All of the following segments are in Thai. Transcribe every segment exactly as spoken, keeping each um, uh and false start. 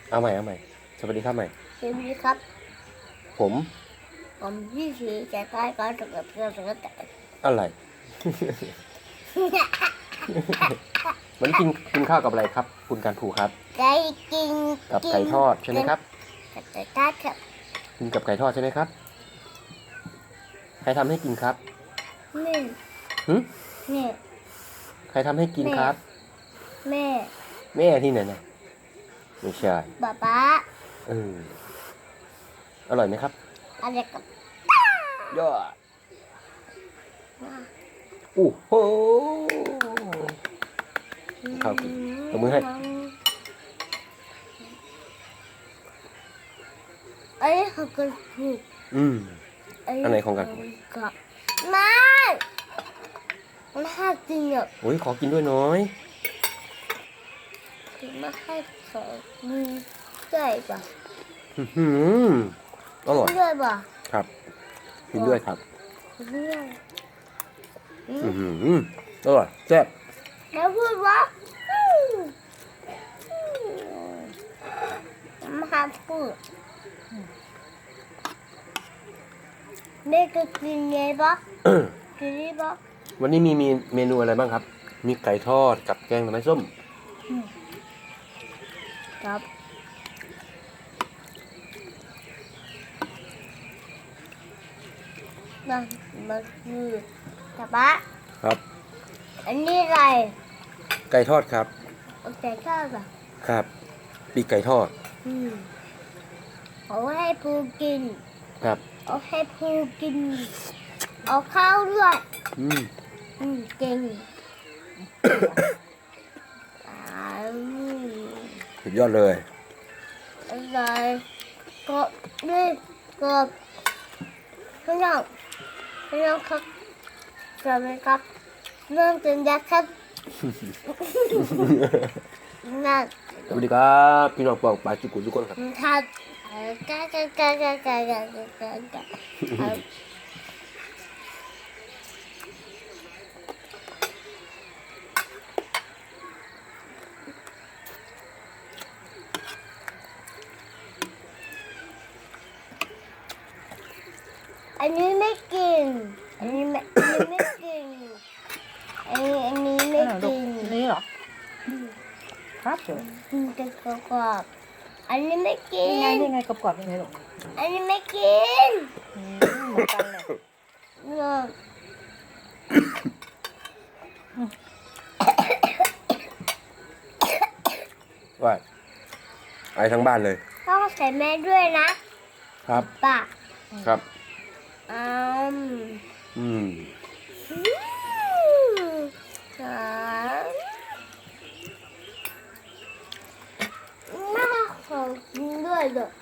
เอาใหม่เอาใหม่สวัสดีครับใหม่สวัสดีครับผมผมพี่สีจะใกล้ก็จะเกิดเรื่องอะไรอะไรวันนี้กินกินข้าวกับอะไรครับคุณการผูครับไก่กินกับไก่ทอดใช่ไหมครับกับไก่ทอดครับกินกับไก่ทอดใช่ไหมครับใครทำให้กินครับแม่หึแม่ใครทำให้กินครับแม่แม่ที่ไหนนะไม่ใช่ป๊าป๊าเอออร่อยไหมครับอะไรกับยอดโอ้โหข้าวกินตบมือให้ไอ้ของกันผูกอืมอันไหนของกันผูกไม่ไม่ให้กินอ่ะโอ้ยขอกินด้วยน้อยไม่ให้ขอมือได้ป่ะอืมอร่อยด้วยป่ะครับกินด้วยครับด้วยอืมอร่อยแซ่บแล้วพูดว่ามาพูดแม่ก็กินไงปะกินได้ปะวันนี้มีมีเมนูอะไรบ้างครับมีไก่ทอดกับแกงหน่อไม้ส้มครับมันมันคือตะบะครับอันนี้อะไรไก่ทอดครับไก่ทอดอ่ะครับปีกไก่ทอดอืมเอาให้ปูกินครับเอาให้ปูกินเอาข้าวด้วยอืมอืมเก่งสุดยอดเลยอะไรก็นี่ก็พี่น้องพี่น้องครับสวัสดีครับเรื่องจริงนะครับนั่นสวัสดีครับพี่น้องปองปลาจุกุทุกคนครับถ้าก้าก้าก้าก้าก้าก้าก้าก้าอันนี้ไม่กินอันนี้ไม่อันนี้ไม่กินอันนี้อันนี้ไม่กินนี่เหรอครับเดี๋ยวกินแต่กรอบอันนี้ไม่กินยังไงยังไงกรอบๆยังไงหรออันนี้ไม่กินเหมือนกันเลยเนาะว่าไอทั้งบ้านเลยต้องใส่แม่ด้วยนะครับป่ะครับอืมอืมน่าขอกินด้วยเด้อ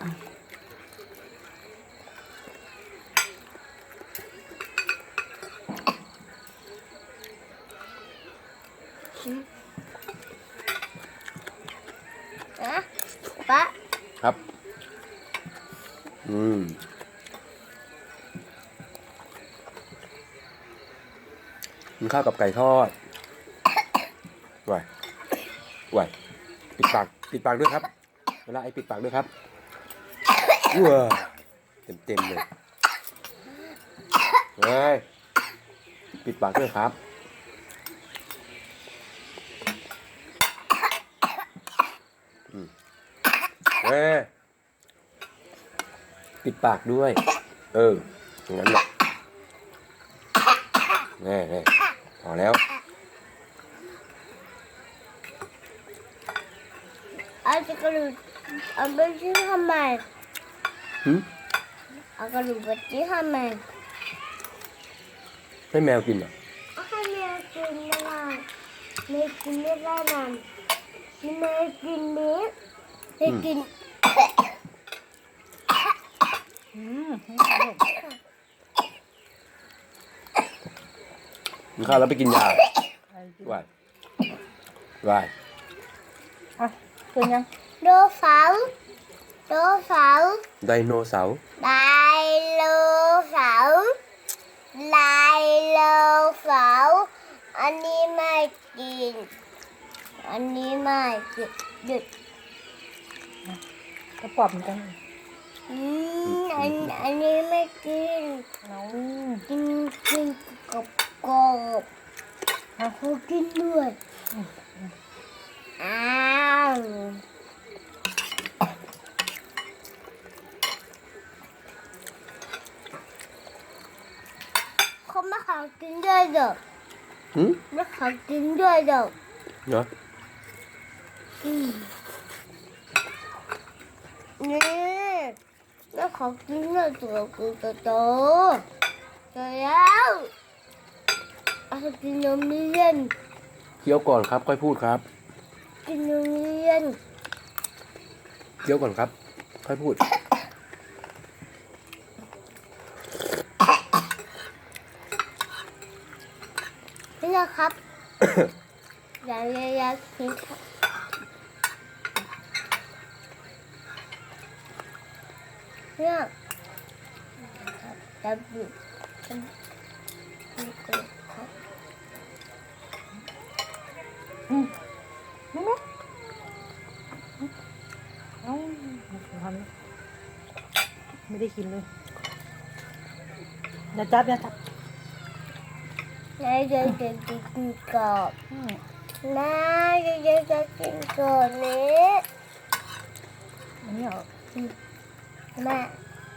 นะป่ะครับอืมกินข้าวกับไก่ทอดไหวไหวปิดปากปิดปากด้วยครับเวลาไอปิดปากด้วยครับว้าเต็มเต็มเลยเฮ้ยปิดปากด้วยครับเฮ้ยปิดปากด้วยเอออย่างนั้นแหละแน่แน่พอแล้วเอาจะกระดูกเอาไปชิ้นทำไมหืมเอากระดูกไปชิ้นทำไมให้แมวกินเหรอเอาให้แมวกินไม่ได้แมวกินไม่ได้มันแมวกินเนื้อแมวกินอืมกินข้าวแล้วไปกินยาไหวไหวอ่ะกินยังโดเสาร์โดเสาร์ไดโนเสาร์ไดโนเสาร์ไดโนเสาร์อันนี้ไม่กินอันนี้ไม่กินหยุดกระป๋อบเหมือนกันอืมอันอันนี้ไม่กินเอากินกินกับกรอบเขากินด้วยอ้าวเขาไม่ขอกินด้วยเด้อหืมไม่ขอกินด้วยเด้อเนาะอืมนี่ไม่ขอกินด้วยตัวกูตัวโตโตแล้วเอากินนมเย็นเคี้ยวก่อนครับค่อยพูดครับกินนมเย็นเคี้ยวก่อนครับ ค่อยพูดนี่นะครับ อยากอยากอยากกินครับเนี่ยครับจะบิดจะบิดครับอืมไม่ไหมเอาทำไม่ได้กินเลยอย่าจับอย่าจับนายจะจะกินกรอบอืมนายจะจะจะกินกรอบนี้อันนี้เหรอแม่